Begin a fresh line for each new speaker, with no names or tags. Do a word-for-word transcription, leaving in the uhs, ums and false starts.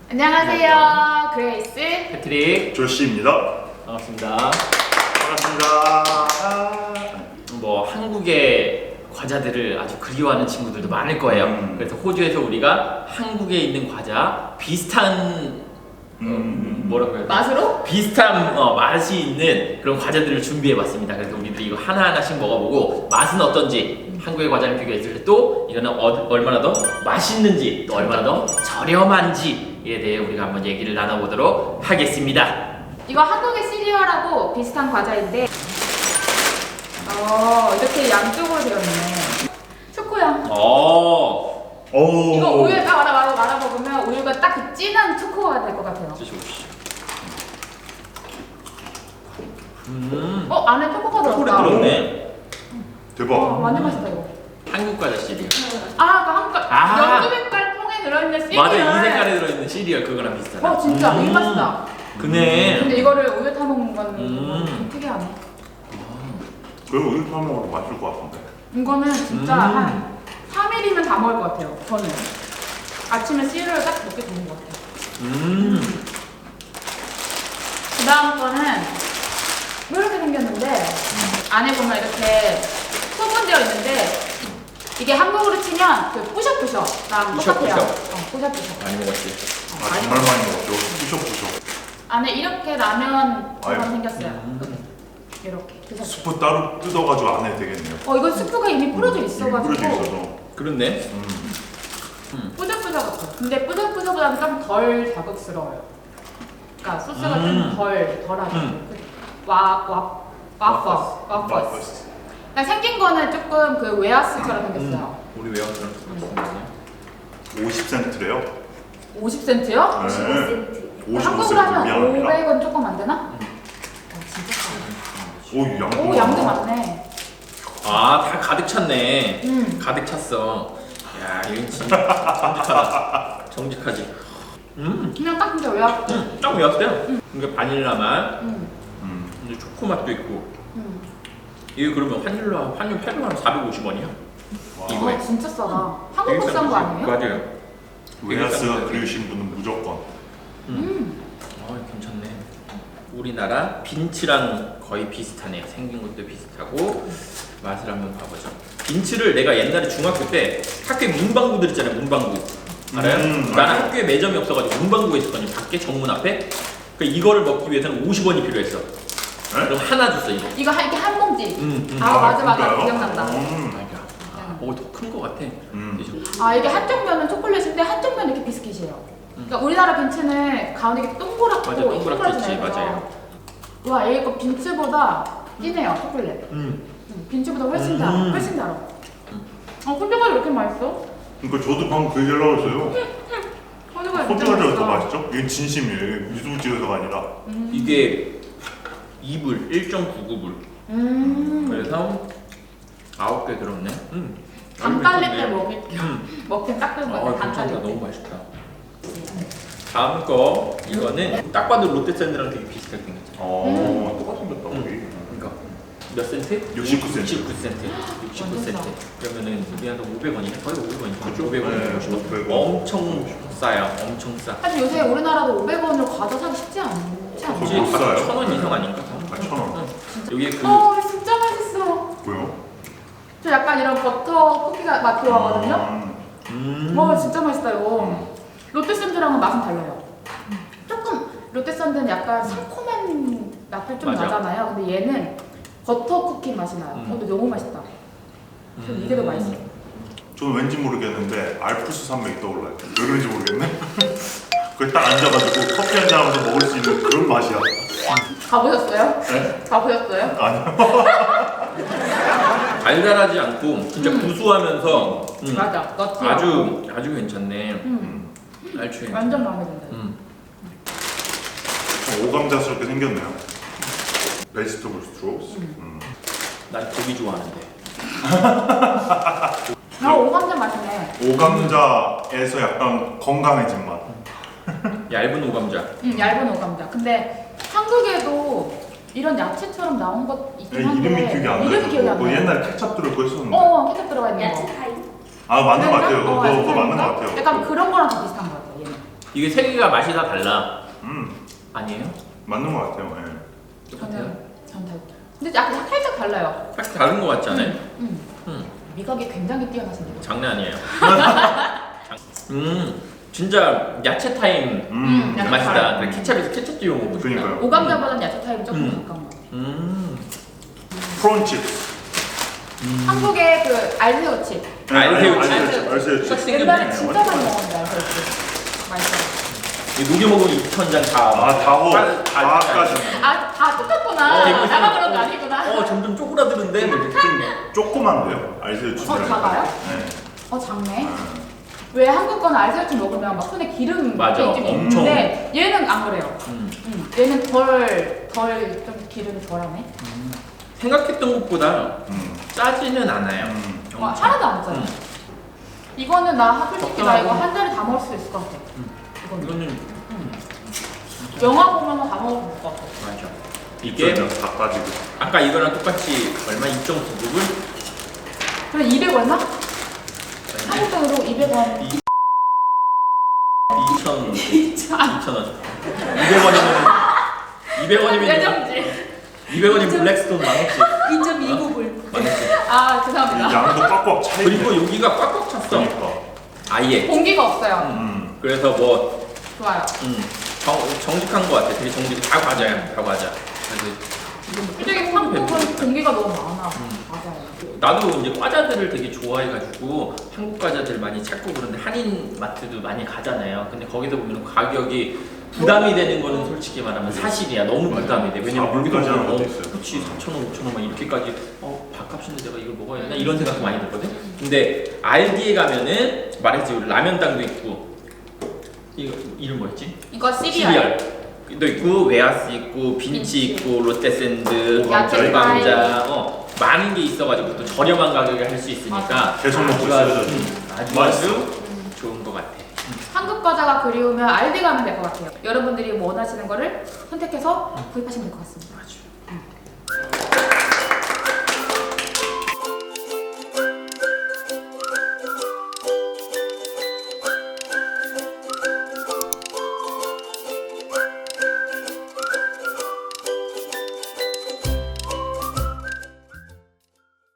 안녕하세요. 그레이스,
패트릭,
조시입니다.
반갑습니다.
반갑습니다.
뭐 한국의 과자들을 아주 그리워하는 친구들도 많을 거예요.
음.
그래서 호주에서 우리가 한국에 있는 과자 비슷한
음.
어, 뭐라고 해야 돼?
맛으로?
비슷한 어, 맛이 있는 그런 과자들을 준비해봤습니다. 그래서 우리들이 이거 하나하나씩 먹어보고 맛은 어떤지 한국의 과자를 비교했을 때 또 이거는 어, 얼마나 더 맛있는지 또 얼마나 더 저렴한지에 대해 우리가 한번 얘기를 나눠보도록 하겠습니다.
이거 한국의 시리얼하고 비슷한 과자인데 어 이렇게 양쪽으로 되어 있네. 초코향.
어,
오.
이거 우유에 딱 말아 말아 말아 먹으면 우유가 딱 그 진한 초코가 될 것 같아요.
드셔보시죠. 음,
어 안에 초코가
초콜릿
들었다.
들었네.
대박.
어, 완전 맛있다 이거.
한국 과자 시리얼.
아, 그 한국
아.
연두 색깔 통에 들어있는 시리얼.
맞아, 이 색깔에 들어있는 시리얼 그거랑 비슷하다.
어 진짜
음.
이 맛이다.
그네.
근데 이거를 우유 타 먹는 건
음.
좀 특이하네.
그리고 우유 타 먹어도 맛있을 것 같은데.
이거는 진짜
음.
한 삼 일이면 다 먹을 것 같아요. 저는 아침에 시리얼 딱 먹게 되는 것 같아요.
음,
그 다음 거는 이렇게 생겼는데 안에 보면 이렇게 소분되어 있는데 이게 한국으로 치면 그 뿌셔뿌셔랑 똑같아요.
뿌셔뿌셔.
어, 뿌셔뿌셔.
많이 먹었지.
어,
아
많이
정말
먹어요.
많이 먹었죠. 부셔부셔.
안에 이렇게 라면처럼
아유.
생겼어요.
음.
이렇게 드셨어요.
스프 따로 뜯어가지고 안 해도 되겠네요.
어 이건 스프가 이미 뿌려져
이미
있어가지고
뿌려져 있어서.
그렇네.
음.
뿌적뿌적 같아요. 근데 뿌적뿌적보다는 좀 덜 자극스러워요. 그러니까 소스가
음.
좀 덜 덜하죠.
음.
와와 와퍼스 와퍼스. 그러니까 생긴 거는 조금 그 웨하스처럼 생겼어요.
우리 외화처럼
오십 센트래요.
오십 센트요?
네. 오십오
한국으로
센트
하면
미안합니다.
오백 원 조금 안 되나?
음.
어, 진짜 싸네.
오 양도.
오 양도 많네.
아, 다 가득 찼네.
음.
가득 찼어. 야, 이건 진짜 정직하다. 정직하지. 음,
그냥 딱 진짜 웨하스.
음, 딱 외웠어요. 그러니까 바닐라 맛,
음.
음.
이제 초코 맛도 있고.
음.
이게 그러면 환율로 환율 팔백 원 사백오십 원이야.
와.
이거에.
어, 진짜 싸다. 한국보다 싼 거 아니에요?
맞아요.
웨하스가 그리우신 분은 무조건.
음.
아, 괜찮네. 우리나라 빈츠랑 거의 비슷하네요. 생긴 것도 비슷하고 맛을 한번 봐보죠. 빈츠를 내가 옛날에 중학교 때 학교에 문방구들 있잖아요. 문방구 알아요?
음,
나는
알죠.
학교에 매점이 없어가지고 문방구에 있었거든요. 밖에 정문 앞에. 그 이거를 먹기 위해서는 오십 원이 필요했어. 그럼 하나 줬어 이거.
이거 한- 이렇게 한 봉지.
음, 음.
아, 맞아, 맞아.
진짜요?
기억난다.
음.
아, 어, 더 큰 거 같아.
음.
그죠?
아 이게 한쪽 면은 초콜릿인데 한쪽 면은 이렇게 비스킷이에요. 그러니까 우리나라 빈츠는 가운데 이렇게 동그랗고
맞아, 동그랗게 있지,
동그랗잖아요.
맞아요.
와 이거 빈츠보다 진해요 초콜릿.
음.
음, 빈츠보다 훨씬 달아.
음.
훨씬 달아.
음.
어 호두과자 왜 이렇게 맛있어?
그러니까 저도 방금 그 얘기를 하고 있어요.
호두과자 진짜
호주가루가
맛있어.
더 맛있죠? 이게 진심이에요. 이게 미술지어서가 아니라.
음.
이게 이 불, 일 점 구구 불.
음.
그래서 아홉 개 들었네. 음.
당 깔릴 때 먹기
음.
먹긴 딱 좋은 거
아,
같아. 당
괜찮다.
깔릴 때.
너무 맛있다. 다음 거 이거는 딱 봐도 롯데샌드랑 되게 비슷하게 생겼죠.
어, 똑같은 것다 우리.
그러니까 몇 센트?
육십구 센트.
육십구 센트. 육십구
완전
센트. 그러면은 우리 한 오백 원이네. 거의 오백 원이죠.
그렇죠.
오백 원.
네, 오백 원.
엄청 싸요. 엄청 싸.
사실 요새 우리나라도 오백 원으로 과자 사기 쉽지 않지 않나?
그거 못 싸요?
천원 이상 아닌가?
아, 천 원.
응. 여기에 그
어 진짜 맛있어.
뭐요?
저 약간 이런 버터 쿠키가 맛 좋아하거든요.
음.
와 진짜 맛있다 이거.
음.
롯데샌드랑은 맛은 달라요. 조금 롯데샌드는 약간 상콤한 맛도 좀
맞아.
나잖아요. 근데 얘는 버터 쿠키 맛이 나요.
음.
어, 근데 너무 맛있다. 전 이게 더 맛있어.
저는 왠지 모르겠는데 알프스 산맥이 떠올라요. 왜 그런지 모르겠네. 거기 딱 앉아가지고 커피 한잔 하면서 먹을 수 있는 그런 맛이야.
가보셨어요?
네?
가보셨어요?
아니요.
달달하지 않고 진짜
음.
구수하면서 음.
맞아. 너티.
아주 아주 괜찮네.
음.
알추 괜찮아.
완전 마음에 든다.
음.
좀 오감자스럽게 생겼네요. 베지터블 스트로스. 음.
난 고기 좋아하는데.
아 오감자 맛이네.
오감자에서 약간 건강해진 맛.
얇은 오감자.
음, 얇은 오감자. 근데 한국에도 이런 야채처럼 나온 것 있긴
네,
한데
이름이 기억이 안 나요.
이름이 기억이 안
뭐
나요.
옛날에 케찹 들어있고 했었는데.
어, 케첩 들어가 있는 거.
야채 타임.
아 맞는 것 같아요.
그랬나?
그거,
어,
그거 맞는 것
그런가?
같아요.
약간 그런 거랑 좀 비슷한 것 같아요. 얘는.
이게 세 개가 맛이 다 달라.
음
아니에요?
맞는 것 같아요. 예.
똑같아요?
저는 전 달. 근데 약간 살짝 달라요.
딱 다른 거 같지 않아요?
음.
음.
미각이 굉장히 뛰어나신데요.
장난 아니에요. 음, 진짜 야채 타임
음,
야채
맛이다.
타임.
그래, 케찹에서 케찹 찍어 먹고 싶다.
그러니까요.
오감자보다는 야채 타입이 조금
음.
가까운 것 같아요.
음.
프론칩스.
한국의 그 알새우칩.
알새우칩.
알새우칩. 알새우칩.
똑같이
옛날에
생겼네.
진짜 많이 먹었는데 알새우칩. 맛있어요.
이 녹여 먹으면 이천 장 다.
아 다호.
다- 다-
다까지.
아, 다 똑같구나.
어, 이거
나만 그런 거 아니구나.
어, 점점 쪼그라드는데? 뭐 이렇게 좀.
조그만데요. 알새우칩.
어, 작아요?
네.
어, 작네.
아,
왜 한국 거는 알새우칩 먹으면 막 손에 기름
맞아.
좀
엄청.
있는데 얘는 안 그래요.
음.
음, 얘는 덜, 덜 좀 기름이 덜하네.
생각했던 것보다
음.
짜지는 않아요.
음.
와, 하나도 안 짜요.
음.
이거는 나 솔직히 나 이거
적당하고.
한 달에 다 먹을 수 있을 것 같아.
음.
이거는.
이거는
영화 보면 다 먹을 것 같아.
맞아. 이게
다 빠지고.
아까 이거랑 똑같이 얼마 이 점 구 불?
그래 이백 얼마? 한국 돈으로 이백 원.
이- 이천
진짜.
이천 원. 이백 원이면 이백 원이면
예정지.
이백 원이면 블랙스톤 망했지.
이 점 이구 불.
망했지.
아
이
죄송합니다.
양도 꽉꽉 차 있네.
그리고 여기가 꽉꽉 찼어.
그러니까.
아예.
공기가 없어요.
음.
그래서 뭐
좋아요.
음, 정, 정직한 것 같아. 되게 정직. 다 과자야. 다 과자. 그래서
솔직히 한국은 공기가 너무 많아.
음.
맞아요.
나도 이제 과자들을 되게 좋아해가지고 한국 과자들 많이 찾고 그런데 한인 마트도 많이 가잖아요. 근데 거기서 보면 가격이 부담이 되는 거는 솔직히 말하면 사실이야. 너무 부담이 돼. 왜냐면 여기도
사불까지 하는
보면 어,
것도 있어요.
그렇지 사천 원, 오천 원 막 이렇게까지 어 밥값인데 내가 이걸 먹어야 되나 이런 생각 많이 들거든. 근데 알디에 가면은 말했지 우리 라면땅도 있고 이거 이름 뭐였지?
이거 시리얼.
도 있고 웨하스 있고 빈치
빈치.
있고 롯데샌드
오감자,
열감자 어 많은 게 있어가지고 또 저렴한 가격에 할 수 있으니까
계속 먹고
아주
있어요,
아주,
저도.
음, 아주
맛있어.
아주 좋은 것 같아.
한국 과자가 그리우면 알디 가면 될 것 같아요. 여러분들이 원하시는 거를 선택해서 구입하시면 될 것 같습니다.